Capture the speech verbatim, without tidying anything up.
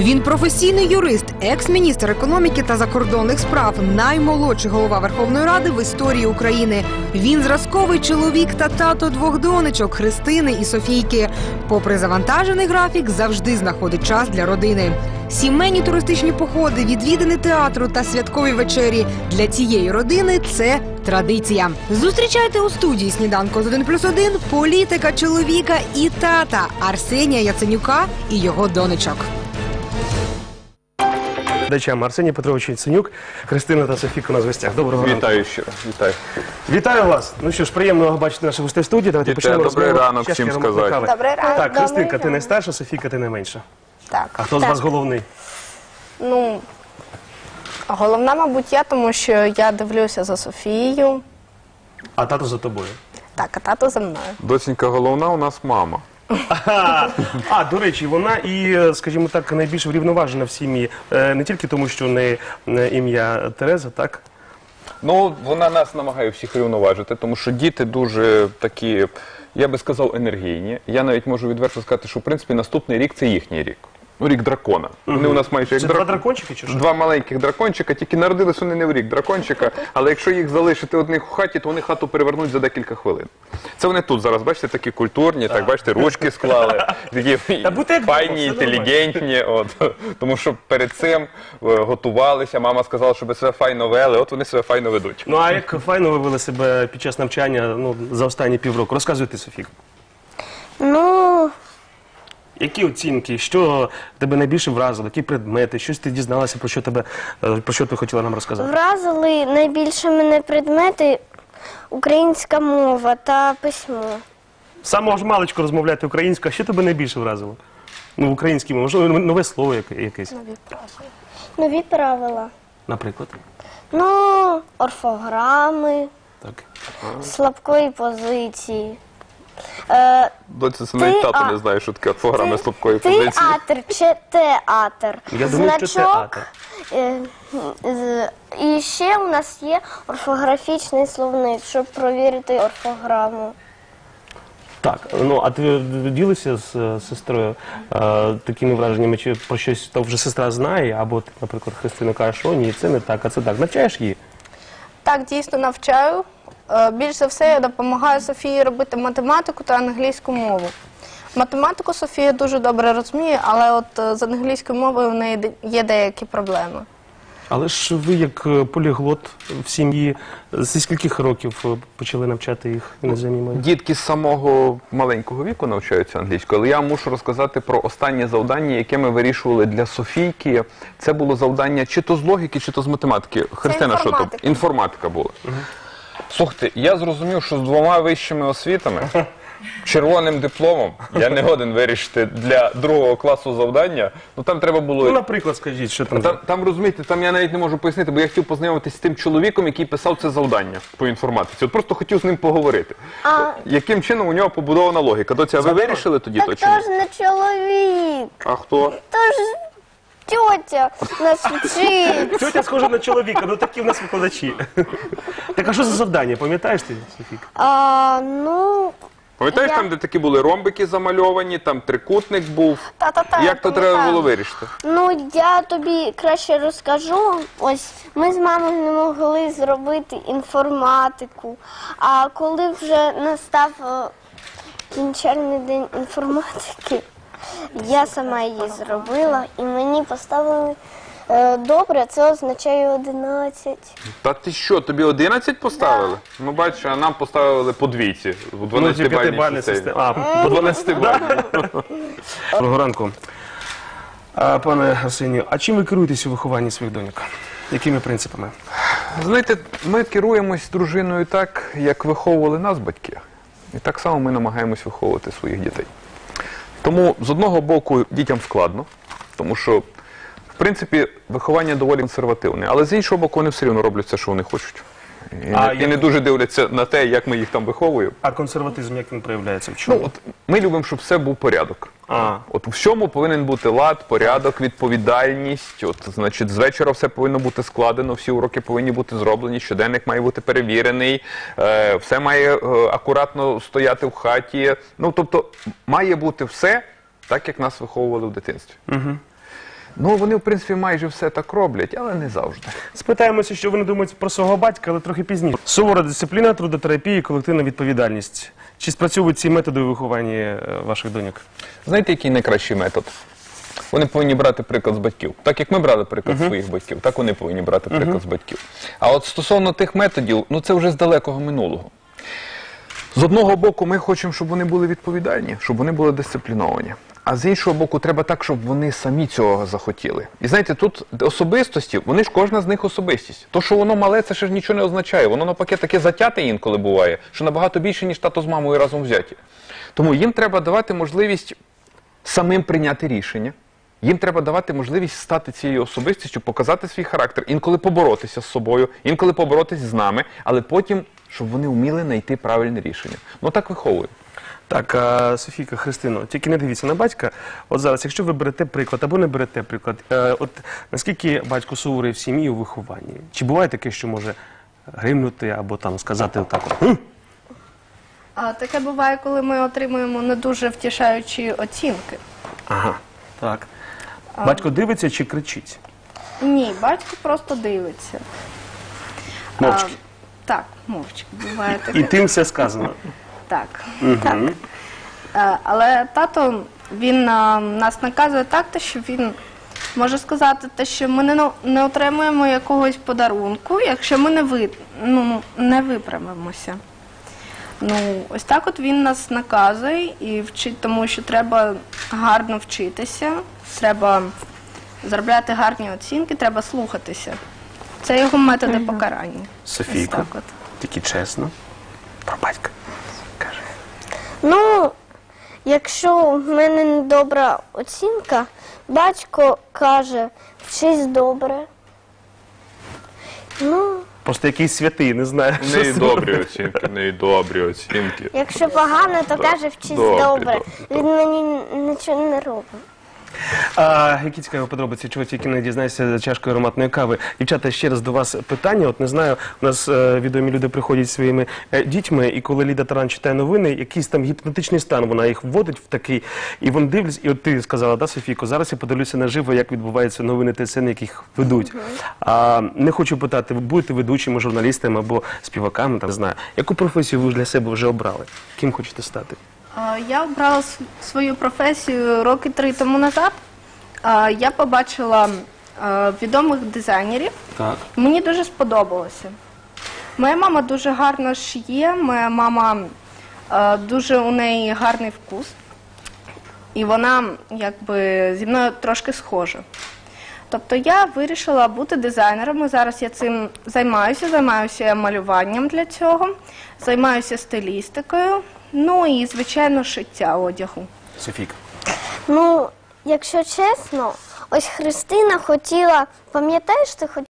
Він професійний юрист, екс-міністр економіки та закордонних справ, наймолодший голова Верховної Ради в історії України. Він зразковий чоловік та тато двох донечок – Христини і Софійки. Попри завантажений графік, завжди знаходить час для родини. Сімейні туристичні походи, відвідини театру та святкові вечері – для цієї родини це традиція. Зустрічайте у студії «Сніданку з один плюс один» політика, чоловіка і тата Арсенія Яценюка і його донечок. Глядачам Арсеній Петрович Яценюк, Христина та Софійка у нас в гостях. Доброго ранку. Вітаю ще раз. Вітаю. Вітаю вас. Ну що ж, приємно бачити наших гостей в студії. Давайте почнемо Добрий розмову. ранок всім сказати. Добрий ранок. Так, Христинка, ти найстарша, Софійка, ти найменша. Так. А хто з вас головний? Ну, головна, мабуть, я, тому що я дивлюся за Софією. А тато за тобою. Так, а тато за мною. Доченька головна у нас мама. А, а, до речі, вона і, скажімо так, найбільш врівноважена в сім'ї. Е, Не тільки тому, що не не ім'я Тереза, так? Ну, вона нас намагає всіх рівноважити, тому що діти дуже такі, я би сказав, енергійні. Я навіть можу відверто сказати, що, в принципі, наступний рік – це їхній рік. Ну, рік дракона. Вони у нас майже як Це драк... два дракончики чи що? Два маленьких дракончика, тільки народились вони не в рік дракончика, але якщо їх залишити одних у хаті, то вони хату перевернуть за декілька хвилин. Це вони тут зараз, бачите, такі культурні, так, бачите, ручки склали, такі файні, інтелігентні, от. Тому що перед цим е, готувалися, мама сказала, щоб себе файно вели, от вони себе файно ведуть. Ну, а як файно ви вели себе під час навчання, ну, за останні півроку? Розказуйте, Софійка. Ну, Які оцінки, що тебе найбільше вразило, які предмети, щось ти дізналася, про що тебе, е, про що ти хотіла нам розказати? вразили найбільше мене предмети українська мова та письмо. З самого ж маличку розмовляти українською, а що тебе найбільше вразило? Ну, в українській мові, можливо, нове слово яке- якесь, Нові правила. Нові правила. наприклад. Ну, орфограми, Так. слабкої позиції. Е, Доця, це навіть тато а- не знає, що таке програми слабкої позиції. Театр чи театр. Я думаю, що Значок. театр. е, з- І ще у нас є орфографічний словник, щоб провірити орфограму. Так, ну, а ти ділишся з е, сестрою е, такими враженнями, чи про щось то вже сестра знає, або ти, наприклад, Христина каже, що ні, це не так, а це так. Навчаєш її? Так, дійсно навчаю. Е, Більш за все, я допомагаю Софії робити математику та англійську мову. Математику Софія дуже добре розуміє, але от е, з англійською мовою в неї де- є деякі проблеми. Але ж ви, як е, поліглот в сім'ї, зі скількох років е, почали навчати їх іноземній мові? Дітки з самого маленького віку навчаються англійською, але я мушу розказати про останнє завдання, яке ми вирішували для Софійки. Це було завдання чи то з логіки, чи то з математики. Христина, що то? інформатика. Інформатика була. Слухайте, я зрозумів, що з двома вищими освітами, червоним дипломом, я не годен вирішити для другого класу завдання. Ну там треба було... Ну, наприклад, скажіть, що там? Там, там, розумієте, там я навіть не можу пояснити, бо я хотів познайомитися з тим чоловіком, який писав це завдання по інформатиці. От просто хотів з ним поговорити. А- Яким чином у нього побудована логіка? Доця, а ви вирішили тоді то Так чи то ні? ж не чоловік, А хто? то ж тьотя нас вчить. Тьотя схожа на чоловіка, ну такі в нас викладачі. Так, а що за завдання, пам'ятаєш ти, Софійка? А, ну, Пам'ятаєш, Я- там, де такі були ромбики замальовані, там трикутник був? Та-та-та, Як то пам'ятаю. треба було вирішити? ну я тобі краще розкажу. Ось ми з мамою не могли зробити інформатику. А коли вже настав е, кінчальний день інформатики, я сама її зробила і мені поставили е, добре, це означає одинадцять. Та ти що, тобі одинадцять поставили? Ну бачиш, а нам поставили по двійці. У Ну, дванадцятибальній п'ятибальна системі. система. А, По дванадцятибальній. Доброго ранку. А, пане Арсенію, а чим ви керуєтесь у вихованні своїх доньок? Якими принципами? Знаєте, ми керуємось дружиною так, як виховували нас батьки. І так само ми намагаємось виховувати своїх дітей. Тому, з одного боку, дітям складно, тому що, в принципі, виховання доволі консервативне. Але з іншого боку, вони все рівно роблять все, що вони хочуть. І, А не, і як- не дуже дивляться на те, як ми їх там виховуємо. А консерватизм, як він проявляється? В чому? Ну, от, ми любимо, щоб все був порядок. А. От у всьому повинен бути лад, порядок, відповідальність. От, значить, з вечора все повинно бути складено, всі уроки повинні бути зроблені, щоденник має бути перевірений, е, все має е, акуратно стояти в хаті. Ну, тобто, має бути все так, як нас виховували в дитинстві. Угу. Ну, вони, в принципі, майже все так роблять, але не завжди. Спитаємося, що вони думають про свого батька, але трохи пізніше. Сувора дисципліна, трудотерапія і колективна відповідальність. Чи спрацьовують ці методи у вихованні е, ваших доньок? Знаєте, який найкращий метод? Вони повинні брати приклад з батьків. Так як ми брали приклад uh-huh. своїх батьків, так вони повинні брати приклад uh-huh. з батьків. А от стосовно тих методів, ну це вже з далекого минулого. З одного боку, ми хочемо, щоб вони були відповідальні, щоб вони були дисципліновані. А з іншого боку, треба так, щоб вони самі цього захотіли. І знаєте, тут особистості, вони ж кожна з них особистість. То, що воно мале, це ще ж нічого не означає. Воно навпаки таке затяте інколи буває, що набагато більше, ніж тато з мамою разом взяті. Тому їм треба давати можливість самим прийняти рішення. Їм треба давати можливість стати цією особистістю, показати свій характер, інколи поборотися з собою, інколи поборотися з нами, але потім, щоб вони вміли знайти правильне рішення. Ну так виховуємо. Так, а, Софійка, Христино, тільки не дивіться на батька. От зараз, якщо ви берете приклад або не берете приклад, е, от наскільки батько суворий в сім'ї у вихованні? Чи буває таке, що може гримнути або там сказати отак от? «Хм?» А таке буває, коли ми отримуємо не дуже втішаючі оцінки. Ага, так. Батько дивиться чи кричить? Ні, батько просто дивиться. Мовчки. А, так, мовчки. Буває таке. І тим все сказано. Так. Угу. так. А, але тато, він а, нас наказує так, те, що він може сказати, те, що ми не, не отримуємо якогось подарунку, якщо ми не, ви, ну, не виправимося. Ну, ось так от він нас наказує і вчить тому, що треба гарно вчитися, треба заробляти гарні оцінки, треба слухатися. Це його методи угу. покарання. Софійко, тільки чесно, про батька каже. Ну, якщо в мене недобра оцінка, батько каже, вчись добре. Ну... Просто якийсь святий, не знаю. В неї добрі оцінки, в неї добрі оцінки. Якщо погано, то каже, вчись добре. добре. Він мені нічого не робить. А, які цікаві подробиці, чого тільки не дізнаєшся за чашкою ароматної кави. Дівчата, ще раз до вас питання. От не знаю, у нас е, відомі люди приходять зі своїми е, дітьми, і коли Ліда Таран читає новини, якийсь там гіпнотичний стан, вона їх вводить в такий, і вони дивляться, і от ти сказала, да, Софійко, зараз я подивлюся наживо, як відбуваються новини Т С Н, яких ведуть. Uh-huh. А, не хочу питати, ви будете ведучими, журналістами або співаками, там, не знаю. Яку професію ви для себе вже обрали? Ким хочете стати? Я обрала свою професію роки три тому назад. Я побачила відомих дизайнерів. Так. Мені дуже сподобалося. Моя мама дуже гарно шиє, моя мама дуже у неї гарний вкус. І вона якби зі мною трошки схожа. Тобто я вирішила бути дизайнером, і зараз я цим займаюся, займаюся малюванням для цього, займаюся стилістикою. Ну і, звичайно, шиття одягу. Софійка. Ну, якщо чесно, ось Христина хотіла, пам'ятаєш, ти хотіла